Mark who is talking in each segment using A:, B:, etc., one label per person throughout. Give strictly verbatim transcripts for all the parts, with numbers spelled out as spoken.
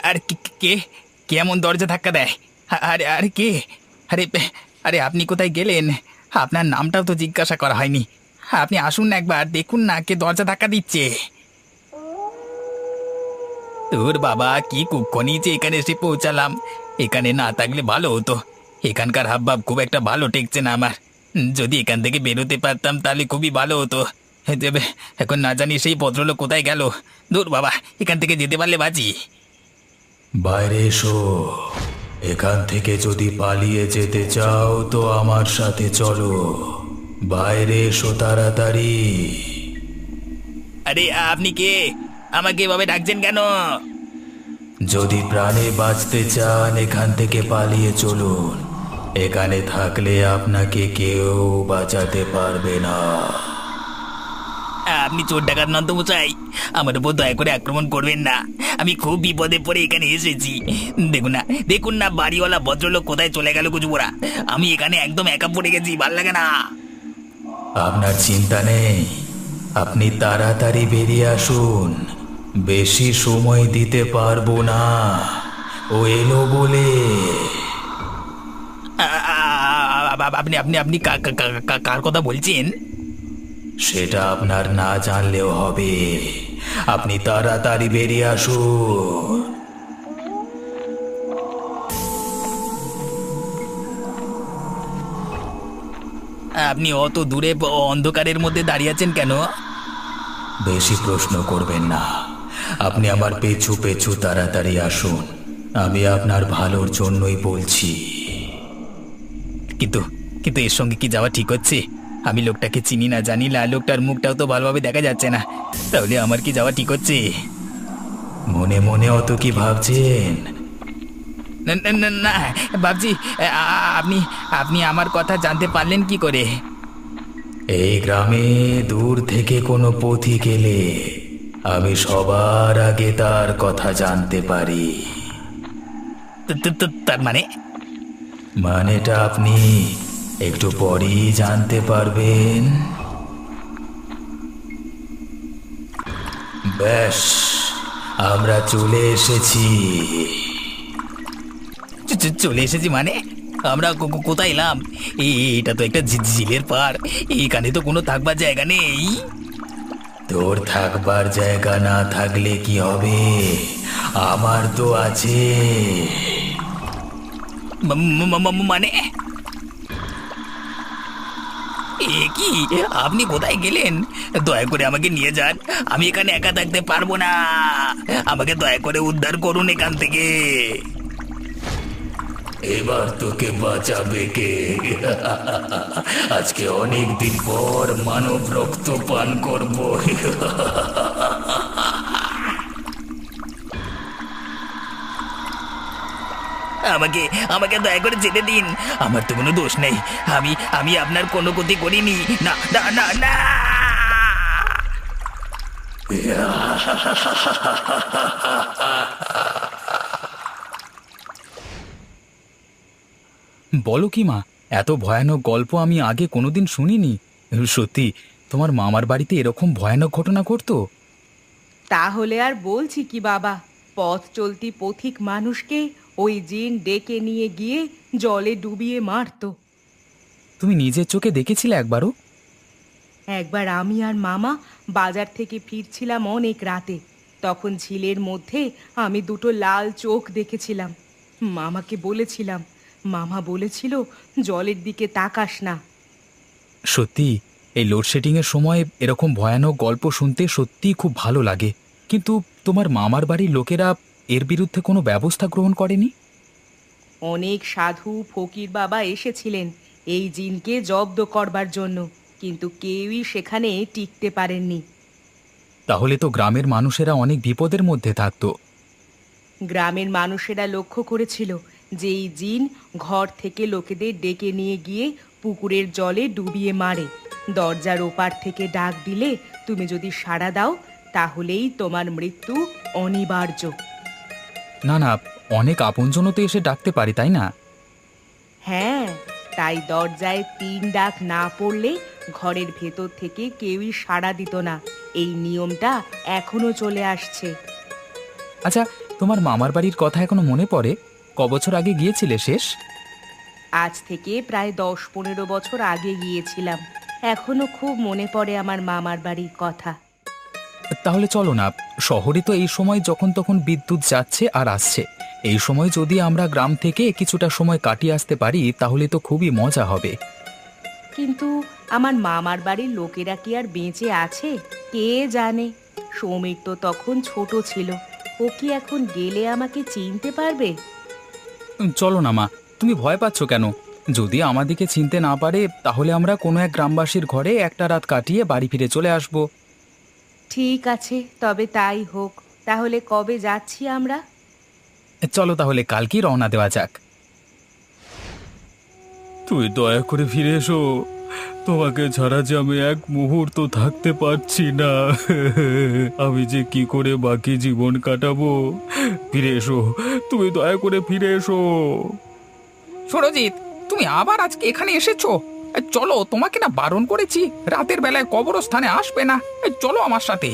A: আরে কে কে কে এমন দরজা ধাক্কা দেয়? আরে আরে কে? আরে আরে আপনি কোথায় গেলেন? আপনার নামটাও তো জিজ্ঞাসা করা হয়নি। আপনি আসুন না, একবার দেখুন না কে দরজা ধাক্কা দিচ্ছে। তোর বাবা, কি কুক্ষণই যে এখানে এসে পৌঁছালাম। এখানে না থাকলে ভালো হতো। এখানকার হাবভাব খুব একটা ভালো ঠেকছে না আমার। যদি এখান থেকে বেরোতে পারতাম তাহলে খুবই ভালো হতো। দেবে, এখন না জানি সেই ভদ্রলোক কোথায় গেল। দূর বাবা, এখান থেকে যেতে পারলে বাঁচি।
B: বাইরে এসো। এখান থেকে যদি পালিয়ে যেতে চাও তো আমার সাথে চলো। বাইরে এসো তাড়াতাড়ি।
A: আরে আপনি কে? আমাকে এভাবে ডাকছেন কেন?
B: যদি প্রাণে বাঁচতে চান এখান থেকে পালিয়ে চলুন। এখানে থাকলে আপনাকে কেউ বাঁচাতে পারবে না।
A: আপনি চোর ডাকাত নন তো মশাই? আমার উপর দয়া করে আক্রমণ করবেন না। আমি খুব বিপদে পড়ে এখানে এসেছি। দেখুন না, দেখুন না বাড়িওয়ালা ভদ্রলোক কোথায় চলে গেল কুচুবোরা। আমি এখানে একদম একা পড়ে গেছি, ভাল লাগে না।
B: আপনার চিন্তা নেই, আপনি তাড়াতাড়ি বেরিয়ে আসুন। বেশি সময় দিতে পারবো না। ও এলো বলে।
A: আ- আ- আ- আপনি আপনি আপনি কা- কা- কা- কা- কার কথা বলছেন?
B: সেটা আপনার না জানলেও হবে। আপনি তাড়াতাড়ি বেরিয়ে আসুন।
A: আপনি অত দূরে ব- অন্ধকারের মধ্যে দাঁড়িয়ে আছেন কেন?
B: বেশি প্রশ্ন করবেন না। আপনি আমার পেছু পেছু তাড়াতাড়ি আসুন। আমি আপনার ভালোর জন্যই বলছি।
A: কিন্তু কিন্তু এর সঙ্গে কি যাওয়া ঠিক হচ্ছে? আমি লোকটাকে চিনি না, জানি না, লোকটার মুখটাও তো ভালোভাবে দেখা যাচ্ছে না। তাহলে আমার কি যাওয়া ঠিক হচ্ছে?
B: মনে মনে অত কি ভাবছেন?
A: না না না না, বাবজি, আ- আ- আপনি আপনি আমার কথা জানতে পারলেন কি করে?
B: এই গ্রামে দূর থেকে কোনো পথিক এলে আমি সবার আগে তার কথা জানতে পারি।
A: তো- তো- তো- তার মানে?
B: মানেটা আপনি একটু পরেই জানতে পারবেন। ব্যাস, আমরা চলে এসেছি।
A: চ- চ- চলে এসেছি মানে? আমরা কো- কো- কোথায় এলাম? এ- এটা তো একটা ঝি- ঝিলের পার। এখানে তো কোনো থাকবার জায়গা নেই।
B: তোর থাকবার জায়গা না থাকলে কি হবে? আমার তো আছে।
A: ম- ম- ম- ম- মানে এ কি? আপনি কোথায় গেলেন? দয়া করে আমাকে নিয়ে যান। আমি এখানে একা থাকতে পারবো না। আমাকে দয়া করে উদ্ধার করুন এখান থেকে।
B: এবার তোকে বাঁচাবে কে? আজকে অনেক দিন পর মানব রক্ত পান করব।
A: আমাকে আমাকে দয়া করে যেতে দিন। আমার তো কোনো দোষ নেই। আমি আমি আপনার কোনো ক্ষতি করিনি। না না না না। বলো কি মা, এত ভয়ানক গল্প আমি আগে কোনোদিন শুনিনি। সত্যি, তোমার মামার বাড়িতে এরকম ভয়ানক ঘটনা ঘটতো?
C: তাহলে আর বলছি কি বাবা, পথ চলতি পথিক মানুষকে ওই জিন ডেকে নিয়ে গিয়ে জলে ডুবিয়ে মারতো।
A: তুমি নিজের চোখে দেখেছিলে একবারও?
C: একবার আমি আর মামা বাজার থেকে ফিরছিলাম অনেক রাতে। তখন ঝিলের মধ্যে আমি দুটো লাল চোখ দেখেছিলাম। মামাকে বলেছিলাম, মামা বলেছিল জলের দিকে তাকাস না।
A: সত্যি, এই লোডশেডিং এর সময় এরকম ভয়ানক গল্প শুনতে সত্যিই খুব ভালো লাগে। কিন্তু তোমার মামার বাড়ির লোকেরা এর বিরুদ্ধে কোনো ব্যবস্থা গ্রহণ করেনি?
C: অনেক সাধু ফকির বাবা এসেছিলেন এই জিনকে জব্দ করবার জন্য, কিন্তু কেউই সেখানে টিকতে পারেননি।
A: তাহলে তো গ্রামের মানুষেরা অনেক বিপদের মধ্যে থাকতো।
C: গ্রামের মানুষেরা লক্ষ্য করেছিল যে এই জিন ঘর থেকে লোকেদের ডেকে নিয়ে গিয়ে পুকুরের জলে ডুবিয়ে মারে। দরজার ওপার থেকে ডাক দিলে তুমি যদি সাড়া দাও তাহলেই তোমার মৃত্যু অনিবার্য।
A: না না, অনেক আপনজনও তো এসে ডাকতে পারি, তাই না?
C: হ্যাঁ, তাই দরজায় তিন ডাক না পড়লে ঘরের ভেতর থেকে কেউই সাড়া দিত না। এই নিয়মটা এখনো চলে আসছে।
A: আচ্ছা,
B: তোমার মামার বাড়ির কথা এখনো মনে পড়ে? ক বছর আগে গিয়েছিলে শেষ?
C: আজ থেকে প্রায় দশ পনেরো বছর আগে গিয়েছিলাম। এখনো খুব মনে পড়ে আমার মামার বাড়ির কথা।
B: তাহলে চলো না, শহরে তো এই সময় যখন তখন বিদ্যুৎ যাচ্ছে আর আসছে। এই সময় যদি আমরা গ্রাম থেকে কিছুটা সময় কাটিয়ে আসতে পারি তাহলে তো খুবই মজা হবে।
C: কিন্তু আমার মামার বাড়ির লোকেরা কি আর বেঁচে আছে কে জানে। সমীর তো তখন ছোট ছিল, ও কি এখন গেলে আমাকে চিনতে পারবে?
B: উম, চলো না মা, তুমি ভয় পাচ্ছ কেন? যদি আমাদিকে চিনতে না পারে তাহলে আমরা কোনো এক গ্রামবাসীর ঘরে একটা রাত কাটিয়ে বাড়ি ফিরে চলে আসব।
C: ঠিক আছে, তবে তাই হোক। তাহলে কবে যাচ্ছি আমরা?
B: চলো তাহলে কালকেই রওনা দেওয়া যাক। তুই দয়া করে ফিরে এসো, তোমাকে ছাড়া যে আমি এক মুহূর্ত থাকতে পারছি না। আমি যে কি করে বাকি জীবন কাটাবো। ফিরে এসো, তুমি দয়া করে ফিরে এসো।
A: সুরজিৎ, তুমি আবার আজকে এখানে এসেছো? এ, চলো, তোমাকে না বারণ করেছি রাতের বেলায় কবরস্থানে আসবে না। এ, চলো আমার সাথে।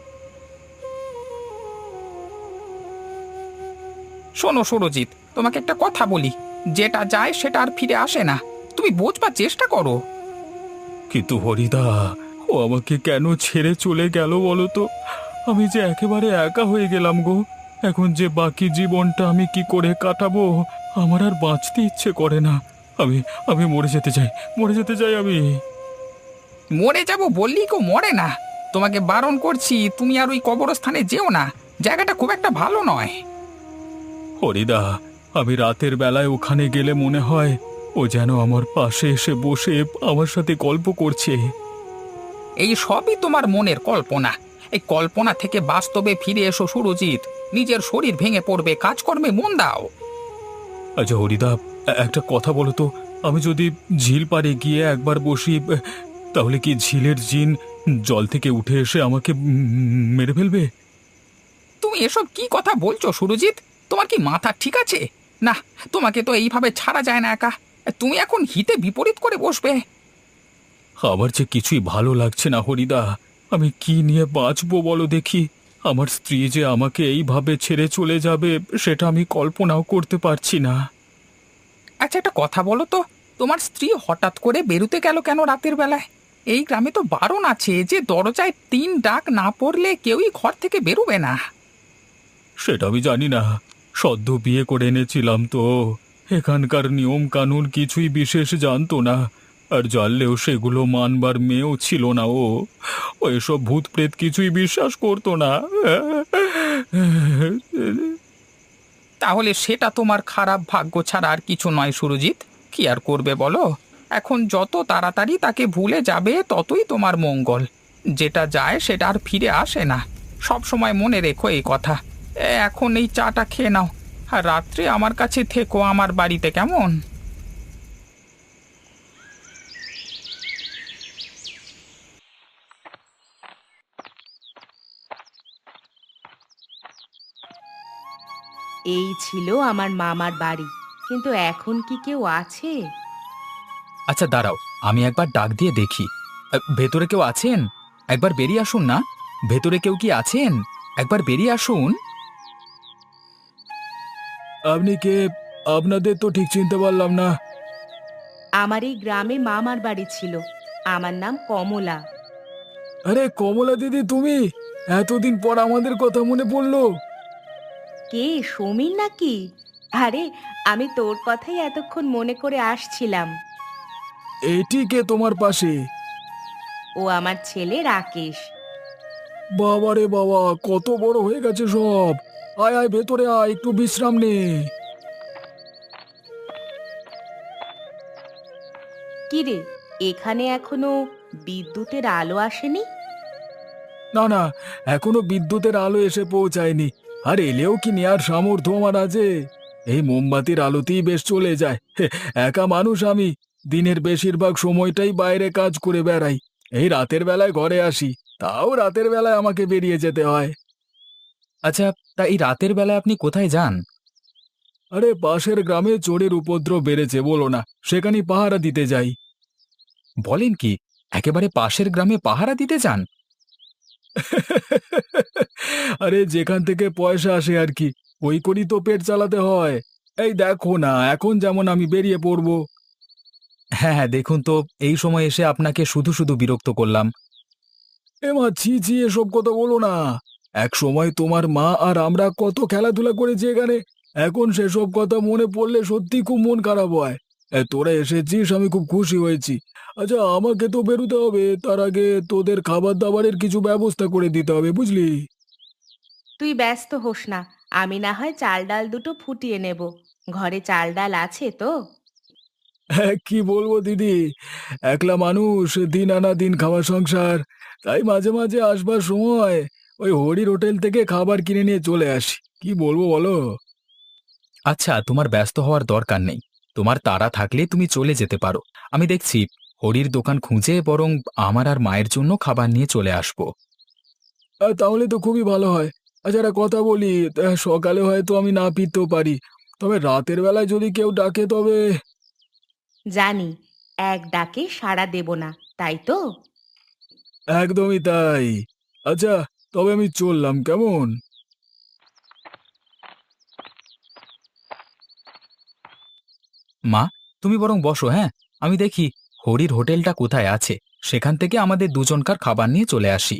A: শোনো সুরজিৎ, তোমাকে একটা কথা বলি, যেটা যায় সেটা আর ফিরে আসে না। তুমি বোঝবার চেষ্টা করো।
B: কিন্তু হরিদা, ও আমাকে কেন ছেড়ে চলে গেল বলো তো? আমি যে একেবারে একা হয়ে গেলাম গো। এখন যে বাকি জীবনটা আমি কি করে কাটাবো, আমার আর বাঁচতে ইচ্ছে করে না। আমি আমি মরে যেতে চাই, মরে যেতে চাই আমি।
A: মরে যাব বললি কেউ মরে না। তোমাকে বারণ করছি, তুমি আর ওই কবরস্থানে যেও না। জায়গাটা খুব একটা ভালো নয়।
B: হরিদা, আমি রাতের বেলায় ওখানে গেলে মনে হয় ও যেন আমার পাশে এসে বসে আমার সাথে গল্প করছে।
A: এই সবই তোমার মনের কল্পনা। এই কল্পনা থেকে বাস্তবে ফিরে এসো সুরজিৎ। নিজের শরীর ভেঙে পড়বে, কাজকর্মে মন দাও।
B: আচ্ছা হরিদা, এ- একটা কথা বলো তো, আমি যদি ঝিল পাড়ে গিয়ে একবার বসি, এ, তাহলে কি ঝিলের জিন জল থেকে উঠে এসে আমাকে উম, মেরে ফেলবে?
A: তুমি এসব কি কথা বলছো সুরজিৎ? তোমার কি মাথা ঠিক আছে? না, তোমাকে তো এইভাবে ছাড়া যায় না একা। তুমি এখন হিতে বিপরীত করে বসবে।
B: আমার যে কিছুই ভালো লাগছে না হরিদা। আমি কি নিয়ে বাঁচবো বলো দেখি? আমার স্ত্রী যে আমাকে এইভাবে ছেড়ে চলে যাবে সেটা আমি কল্পনাও করতে পারছি না।
A: আচ্ছা, একটা কথা বলো তো, তোমার স্ত্রী হঠাৎ করে বেরুতে গেল কেন রাতের বেলায়? এই গ্রামে তো বারণ আছে যে দরজায় তিন ডাক না পড়লে কেউই ঘর থেকে বেরোবে না।
B: সেটা আমি জানি না, সদ্য বিয়ে করে এনেছিলাম তো। এখানকার নিয়ম কানুন কিছুই বিশেষ জানতো না, আর জানলেও সেগুলো মানবার মেয়েও ছিল না ও। ও এসব ভূত প্রেত কিছুই বিশ্বাস করতো না।
A: তাহলে সেটা তোমার খারাপ ভাগ্য ছাড়া আর কিছু নয় সুরজিৎ। কি আর করবে বলো? এখন যত তাড়াতাড়ি তাকে ভুলে যাবে ততই তোমার মঙ্গল। যেটা যায় সেটা আর ফিরে আসে না। সব সময় মনে রেখো এই কথা। এ, এখন এই চাটা খেয়ে নাও, আর রাত্রে আমার কাছে থেকো আমার বাড়িতে, কেমন?
C: এই ছিল আমার মামার বাড়ি, কিন্তু এখন কি কেউ আছে?
B: আচ্ছা দাঁড়াও, আমি একবার ডাক দিয়ে দেখি। আ, ভেতরে কেউ আছেন? একবার বেরিয়ে আসুন না। ভেতরে কেউ কি আছেন? একবার বেরিয়ে আসুন। আপনি কে? আপনাদের তো ঠিক চিনতে পারলাম না।
C: আমার এই গ্রামে মামার বাড়ি ছিল। আমার নাম কমলা।
B: আরে কমলা দিদি, তুমি? এতদিন পর আমাদের কথা মনে পড়লো।
C: কে, সমীর নাকি? আরে, আমি তোর কথাই এতক্ষণ মনে করে আসছিলাম।
B: এটি কে তোমার পাশে?
C: ও আমার ছেলে রাকেশ।
B: বাবা রে বাবা, কত বড় হয়ে গেছে সব। আয় আয় ভেতরে আয়, একটু বিশ্রাম নে।
C: কি রে, এখানে এখনো বিদ্যুতের আলো আসেনি?
B: না না, এখনো বিদ্যুতের আলো এসে পৌঁছায়নি। আর এলেও কি নেয়ার সামর্থ্য আমার আছে? এই মোমবাতির আলোতেই বেশ চলে যায়। হে, একা মানুষ আমি। দিনের বেশিরভাগ সময়টাই বাইরে কাজ করে বেড়াই। এই রাতের বেলায় ঘরে আসি, তাও রাতের বেলায় আমাকে বেরিয়ে যেতে হয়। আচ্ছা, তা এই রাতের বেলায় আপনি কোথায় যান? আরে পাশের গ্রামে চোরের উপদ্রব বেড়েছে বলো না, সেখানেই পাহারা দিতে যাই। বলেন কি, একেবারে পাশের গ্রামে পাহারা দিতে যান? আরে যেখান থেকে পয়সা আসে আর কি। ওই করি তো পেট চালাতে হয়। এই দেখো না, এখন যেমন আমি বেরিয়ে পড়বো। হ্যাঁ হ্যাঁ, দেখুন তো, এই সময় এসে আপনাকে শুধু শুধু বিরক্ত করলাম। এমা ছি ছি, এসব কথা বলো না। এক সময় তোমার মা আর আমরা কত খেলাধুলা করেছি এখানে। এখন সেসব কথা মনে পড়লে সত্যি খুব মন খারাপ হয়। এ, তোরা এসেছিস, আমি খুব খুশি হয়েছি। আচ্ছা, আমাকে তো বেরোতে হবে, তার আগে তোদের খাবার দাবারের কিছু ব্যবস্থা করে দিতে হবে, বুঝলি?
C: তুই ব্যস্ত হোস না, আমি না হয় চাল ডাল দুটো ফুটিয়ে নেব। ঘরে চাল ডাল আছে তো?
B: হ্যাঁ, কি বলবো দিদি, একলা মানুষ, দিন আনা দিন খাওয়া সংসার। তাই মাঝে মাঝে আসবার সময় ওই হরির হোটেল থেকে খাবার কিনে নিয়ে চলে আসি। কি বলবো বলো? আচ্ছা, তোমার ব্যস্ত হওয়ার দরকার নেই। তোমার তাড়া থাকলে তুমি চলে যেতে পারো। আমি দেখছি হরির দোকান খুঁজে বরং আমার আর মায়ের জন্য খাবার নিয়ে চলে আসবো। তাহলে তো খুবই ভালো হয়। আচ্ছা, একটা কথা বলি, তা সকালে হয়তো আমি না ফিরতেও পারি, তবে রাতের বেলায় যদি কেউ ডাকে তবে।
C: জানি, এক ডাকে সাড়া দেব না, তাই তো?
B: একদমই তাই। আচ্ছা, তবে আমি চললাম, কেমন? মা, তুমি বরং বসো, হ্যাঁ? আমি দেখি হরির হোটেলটা কোথায় আছে, সেখান থেকে আমাদের দুজনকার খাবার নিয়ে চলে আসি।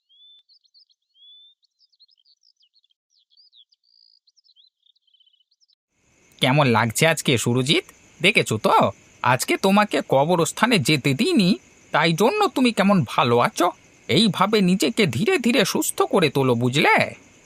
A: কেমন লাগছে আজকে সুরজিৎ? দেখেছো তো, আজকে তোমাকে কবরস্থানে যেতে দিইনি, তাই জন্য তুমি কেমন ভালো আছো। এইভাবে নিজেকে ধীরে ধীরে সুস্থ করে তোলো, বুঝলে?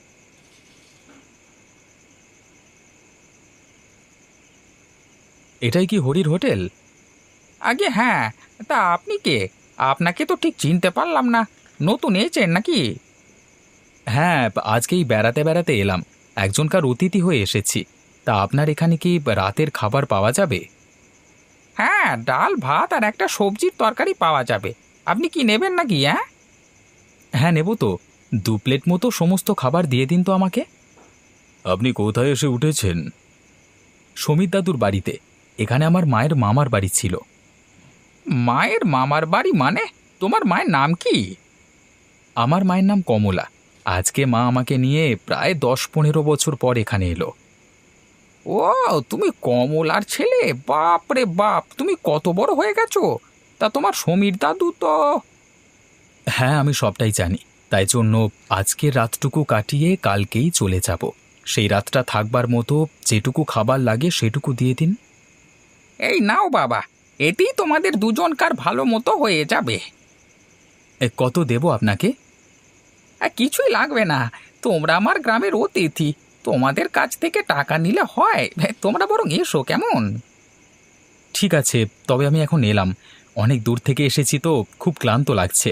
B: এটাই কি হরির হোটেল?
A: আগে হ্যাঁ। তা আপনি কে? আপনাকে তো ঠিক চিনতে পারলাম না। নতুন এসেছেন নাকি?
B: হ্যাঁ, আজকেই বেড়াতে বেড়াতে এলাম, একজনকার অতিথি হয়ে এসেছি। তা আপনার এখানে কি রাতের খাবার পাওয়া যাবে?
A: হ্যাঁ, ডাল ভাত আর একটা সবজির তরকারি পাওয়া যাবে। আপনি কি নেবেন নাকি? হ্যাঁ,
B: হ্যাঁ, নেব তো। দু প্লেট মতো সমস্ত খাবার দিয়ে দিন তো আমাকে। আপনি কোথায় এসে উঠেছেন? সমীর দাদুর বাড়িতে। এখানে আমার মায়ের মামার বাড়ি ছিল।
A: মায়ের মামার বাড়ি মানে? তোমার মায়ের নাম কি?
B: আমার মায়ের নাম কমলা। আজকে মা আমাকে নিয়ে প্রায় দশ পনেরো বছর পর এখানে এলো।
A: ও, তুমি কমলার ছেলে? বাপ রে বাপ, তুমি কত বড় হয়ে গেছো! তা তোমার সমীর দাদু তো।
B: হ্যাঁ, আমি সবটাই জানি। তাই জন্য আজকের রাতটুকু কাটিয়ে কালকেই চলে যাব। সেই রাতটা থাকবার মতো যেটুকু খাবার লাগে সেটুকু দিয়ে দিন।
A: এই নাও বাবা, এতেই তোমাদের দুজনকার ভালো মতো হয়ে যাবে।
B: এ, কত দেব আপনাকে?
A: আর কিছুই লাগবে না, তোমরা আমার গ্রামের অতিথি, তোমাদের কাছ থেকে টাকা নিলে হয়? তোমরা বরং এসো, কেমন?
B: ঠিক আছে, তবে আমি এখন এলাম। অনেক দূর থেকে এসেছি তো খুব ক্লান্ত লাগছে।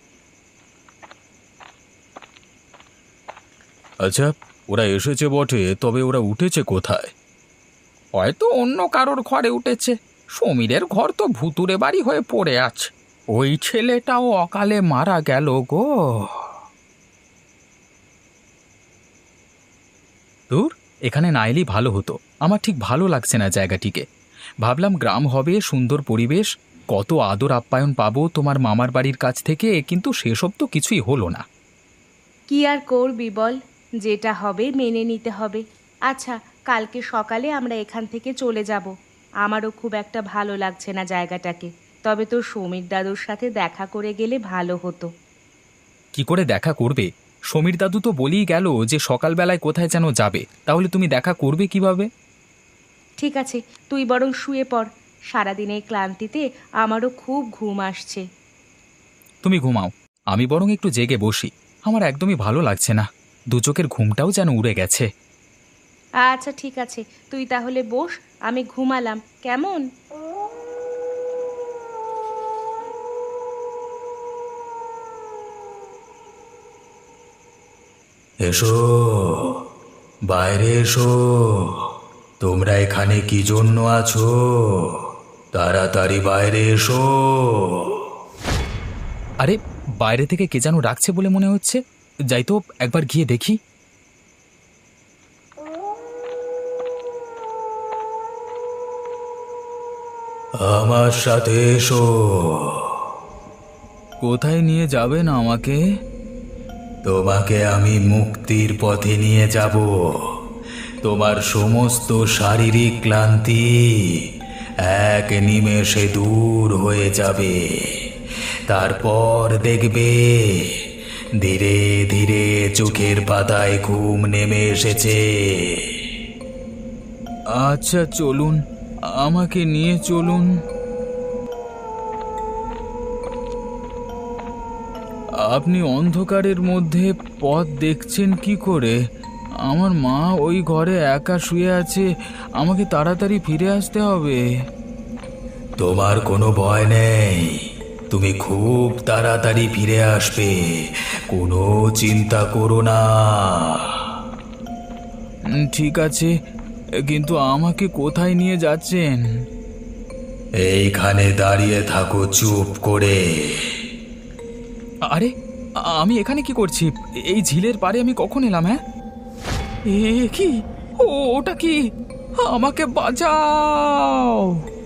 B: আচ্ছা, ওরা এসেছে বটে, তবে ওরা উঠেছে কোথায়?
A: হয়তো অন্য কারোর ঘরে উঠেছে। সমীরের ঘর তো ভুতুরে বাড়ি হয়ে পড়ে আছে। ওই ছেলেটাও অকালে মারা গেল গো।
B: দূর, এখানে না এলেই ভালো হতো। আমার ঠিক ভালো লাগছে না জায়গাটিকে। ভাবলাম গ্রাম হবে, সুন্দর পরিবেশ, কত আদর আপ্যায়ন পাবো তোমার মামার বাড়ির কাছ থেকে, কিন্তু সেসব তো কিছুই হলো না।
C: কি আর করবি বল, যেটা হবে মেনে নিতে হবে। আচ্ছা, কালকে সকালে আমরা এখান থেকে চলে যাব। আমারও খুব একটা ভালো লাগছে না জায়গাটাকে, তবে তোর সমীর দাদুর সাথে দেখা করে গেলে ভালো হতো।
B: কি করে দেখা করবে? সমীর দাদু তো বলেই গেল যে সকালবেলায় কোথায় যেন যাবে, তাহলে তুমি দেখা করবে কিভাবে?
C: ঠিক আছে, তুই বরং শুয়ে পড়। সারাদিনের ক্লান্তিতে আমারও খুব ঘুম আসছে।
B: তুমি ঘুমাও, আমি বরং একটু জেগে বসি। আমার একদমই ভালো লাগছে না, দু চোখের ঘুমটাও যেন উড়ে গেছে।
C: আচ্ছা ঠিক আছে, তুই তাহলে বস, আমি ঘুমালাম, কেমন?
B: এসো, বাইরে এসো। তোমরা এখানে কি জন্য আছো? তাড়াতাড়ি বাইরে এসো। আরে, বাইরে থেকে কে যেন ডাকছে বলে মনে হচ্ছে। যাই তো, একবার গিয়ে দেখি। আমার সাথে এসো। কোথায় নিয়ে যাবেন আমাকে? তোমাকে আমি মুক্তির পথে নিয়ে যাব। তোমার সমস্ত শারীরিক ক্লান্তি এক নিমেষে দূর হয়ে যাবে। তারপর দেখবে ধীরে ধীরে চোখের পাতায় ঘুম নেমে এসেছে। আচ্ছা চলুন, আমাকে নিয়ে চলুন। আপনি অন্ধকারের মধ্যে পথ দেখছেন কি করে? আমার মা ওই ঘরে একা শুয়ে আছে, আমাকে তাড়াতাড়ি ফিরে আসতে হবে। তোমার কোনো ভয় নেই, তুমি খুব তাড়াতাড়ি ফিরে আসবে, কোনো চিন্তা করো না। ঠিক আছে, কিন্তু আমাকে কোথায় নিয়ে যাচ্ছেন? এইখানে দাঁড়িয়ে থাকো চুপ করে। আরে, আমি এখানে কি করছি? এই ঝিলের পাড়ে আমি কখন এলাম? হ্যাঁ, এ কি? ও, ওটা কি? আমাকে বাঁচাও!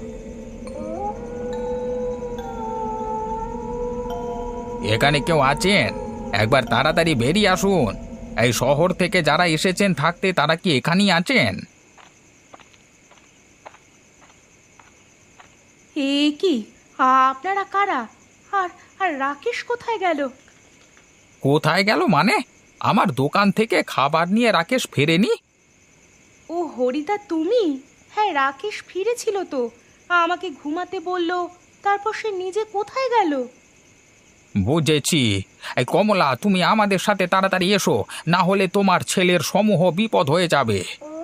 A: এখানে কেউ আছেন? একবার তাড়াতাড়ি বেরিয়ে আসুন। এই শহর থেকে যারা এসেছেন থাকতে তারা কি এখানেই আছেন?
C: এ কি, আপনারা কারা? আর আর রাকেশ কোথায় গেল?
A: কোথায় গেল মানে? আমার দোকান থেকে খাবার নিয়ে রাকেশ ফেরেনি।
C: ও হরিদা, তুমি? হ্যাঁ, রাকেশ ফিরেছিল তো, আমাকে ঘুমাতে বলল, তারপর সে নিজে কোথায় গেল?
A: বুঝেছি। এই কমলা, তুমি আমাদের সাথে তাড়াতাড়ি এসো, না হলে তোমার ছেলের সমূহ বিপদ হয়ে যাবে।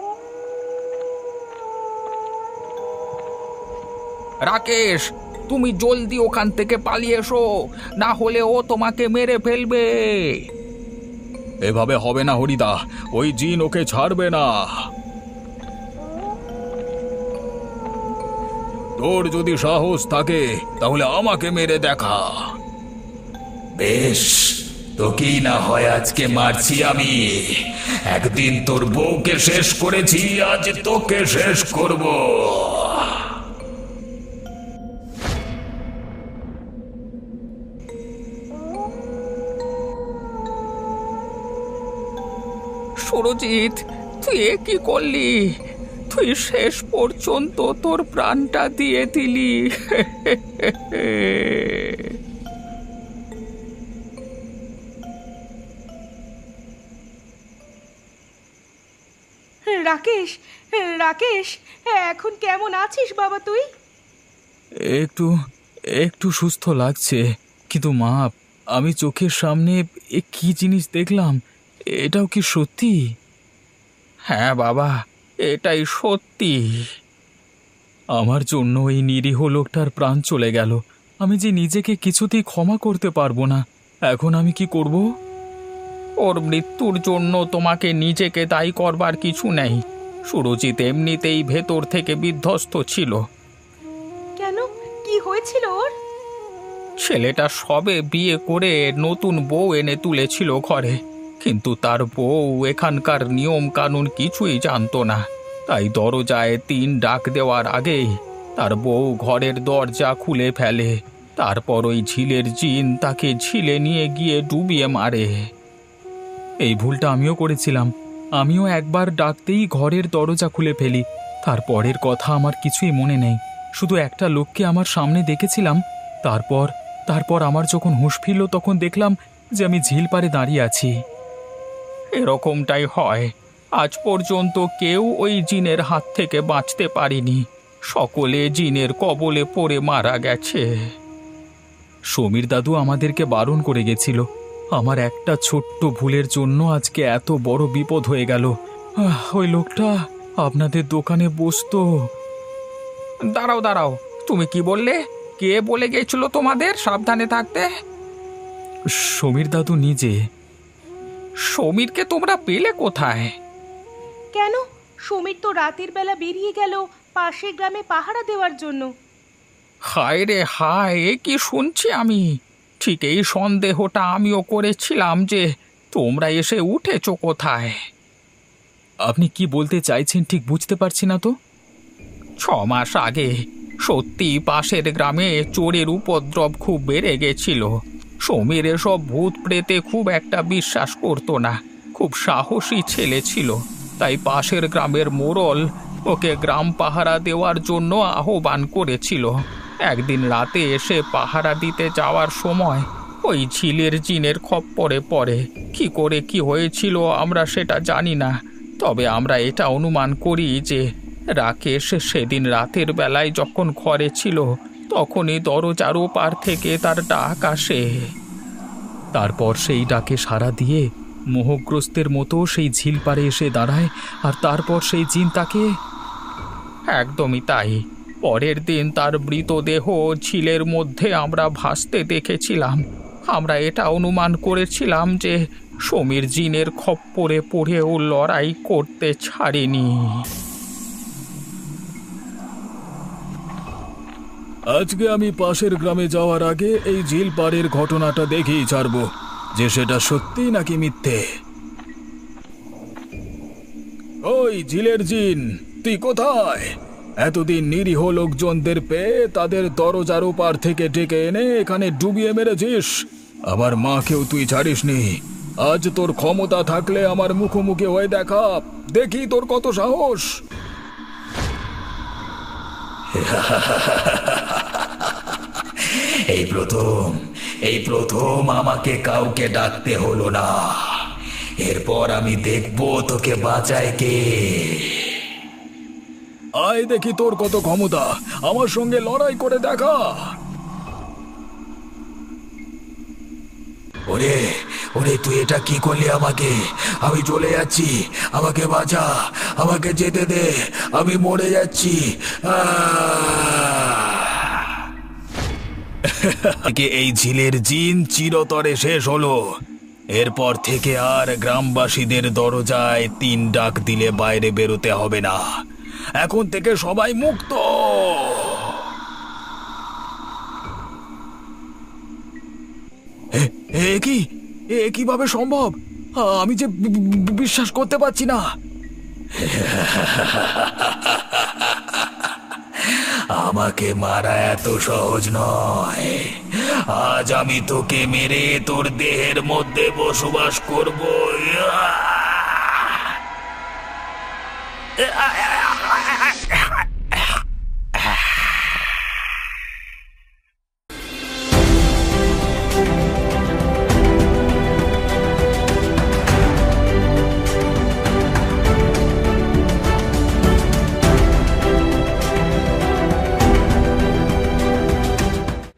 A: রাকেশ, তুমি জলদি ওখান থেকে পালিয়ে এসো, না হলে ও তোমাকে মেরে ফেলবে।
B: এভাবে হবে না হরিদা, ওই জিন ওকে ছাড়বে না। তোর যদি সাহস থাকে তাহলে আমাকে মেরে দেখা। বেশ, তোকেই না হয় আজকে মারছি আমি। একদিন তোর বউকে শেষ করেছি, আজ তোকে শেষ করব।
A: সুরজিৎ, তুই এ কি করলি? তুই শেষ পর্যন্ত তোর প্রাণটা দিয়ে দিলি।
C: রাকেশ, রাকেশ, এখন কেমন আছিস বাবা তুই?
B: একটু একটু সুস্থ লাগছে, কিন্তু মা, আমি চোখের সামনে এ কি জিনিস দেখলাম, এটাও কি সত্যি?
A: হ্যাঁ বাবা, এটাই সত্যি।
B: আমার জন্য এই নিরীহ লোকটার প্রাণ চলে গেল। আমি যে নিজেকে কিছুতেই ক্ষমা করতে পারবো না। এখন আমি কি করব?
A: ওর মৃত্যুর জন্য তোমাকে নিজেকে দায়ী করবার কিছু নেই। সুরজিৎ এমনিতেই ভেতর থেকে বিধ্বস্ত ছিল।
C: কেন, কি হয়েছিল ওর?
A: ছেলেটা সবে বিয়ে করে নতুন বউ এনে তুলেছিল ঘরে, কিন্তু তার বউ এখানকার নিয়ম কানুন কিছুই জানতো না। তাই দরজায় তিন ডাক দেওয়ার আগেই তার বউ ঘরের দরজা খুলে ফেলে। তারপর ওই ঝিলের জিন তাকে ঝিলে নিয়ে গিয়ে ডুবিয়ে মারে।
B: এই ভুলটা আমিও করেছিলাম। আমিও একবার ডাকতেই ঘরের দরজা খুলে ফেলি। তারপরের কথা আমার কিছুই মনে নেই, শুধু একটা লোককে আমার সামনে দেখেছিলাম। তারপর তারপর আমার যখন হুঁশ ফিরল তখন দেখলাম যে আমি ঝিল পাড়ে দাঁড়িয়ে আছি।
A: এরকমটাই হয়। আজ পর্যন্ত কেউ ওই জিনের হাত থেকে বাঁচতে পারেনি। সকলে জিনের কবলে পড়ে মারা গেছে।
B: সমীর দাদু আমাদেরকে বারণ করে গেছিল। আমার একটা ছোট্ট ভুলের জন্য আজকে এত বড় বিপদ হয়ে গেল। আহ, ওই লোকটা আপনাদের দোকানে বসতো।
A: দাঁড়াও দাঁড়াও, তুমি কি বললে? কে বলে গেছিল তোমাদের সাবধানে থাকতে?
B: সমীর দাদু নিজে।
A: সমীরকে তোমরা পেলে কোথায়?
C: কেন, সমীর তো রাতের বেলা বেরিয়ে গেল পাশের গ্রামে পাহারা দেওয়ার জন্য।
A: হায় রে হায়, এ কি শুনছি আমি! ঠিক এই সন্দেহটা আমিও করেছিলাম যে তোমরা এসে উঠেছো কোথায়।
B: আপনি কি বলতে চাইছেন ঠিক বুঝতে পারছি না তো।
A: ছ মাস আগে সত্যি পাশের গ্রামে চোরের উপদ্রব খুব বেড়ে গেছিল। সমীর এসব ভূত প্রেতে খুব একটা বিশ্বাস করতো না, খুব সাহসী ছেলে ছিল। তাই পাশের গ্রামের মোড়ল ওকে গ্রাম পাহারা দেওয়ার জন্য আহ্বান করেছিল। একদিন রাতে এসে পাহারা দিতে যাওয়ার সময় ওই ঝিলের জিনের খপ্পরে পড়ে। কি করে কি হয়েছিল আমরা সেটা জানি না, তবে আমরা এটা অনুমান করি যে রাকেশ সেদিন রাতের বেলায় যখন ঘরে ছিল তখনই দরজার ওপার থেকে তার ডাক আসে।
B: তারপর সেই ডাকে সাড়া দিয়ে মোহগ্রস্তের মতো সেই ঝিল পাড়ে এসে দাঁড়ায়, আর তারপর সেই জিন তাকে।
A: একদমই তাই। পরের দিন তার মৃতদেহ ঝিলের মধ্যে আমরা ভাসতে দেখেছিলাম। আমরা এটা অনুমান করেছিলাম যে সমীর জিনের খপ্পরে পড়েও লড়াই করতে ছাড়েনি।
B: আজকে আমি পাশের গ্রামে যাওয়ার আগে এই ঝিল পাড়ের ঘটনাটা দেখেই ছাড়বো যে সেটা সত্যি নাকি মিথ্যে। ওই ঝিলের জিন, তুই কোথায়? এতদিন নিরীহ লোকজনদের পেয়ে তাদের দরজার ওপার থেকে ডেকে এনে এখানে ডুবিয়ে মেরেছিস। আমার মাকেও তুই ছাড়িসনি। আজ তোর ক্ষমতা থাকলে আমার মুখোমুখি হয়ে দেখা, দেখি তোর কত সাহস।
D: এই প্রথম এই প্রথম আমাকে কাউকে ডাকতে হলো না। এরপর আমি দেখবো তোকে বাঁচায় কে।
B: আয় দেখি তোর কত ক্ষমতা, আমার সঙ্গে লড়াই করে দেখা।
D: ওরে ওরে, তুই এটা কি করলি আমাকে? আমি চলে যাচ্ছি, আমাকে বাঁচা, আমাকে যেতে দে, আমি মরে যাচ্ছি।
B: এই ঝিলের জিন চিরতরে শেষ হলো। এরপর থেকে আর গ্রামবাসীদের দরজায় তিন ডাক দিলে বাইরে বেরোতে হবে না। এখন থেকে সবাই মুক্ত। এ কি এ কিভাবে সম্ভব? আমি যে বিশ্বাস করতে পারছি না।
D: আমাকে মারা এত সহজ নয়। আজ আমি তোকে মেরে তোর দেহের মধ্যে বসবাস করব।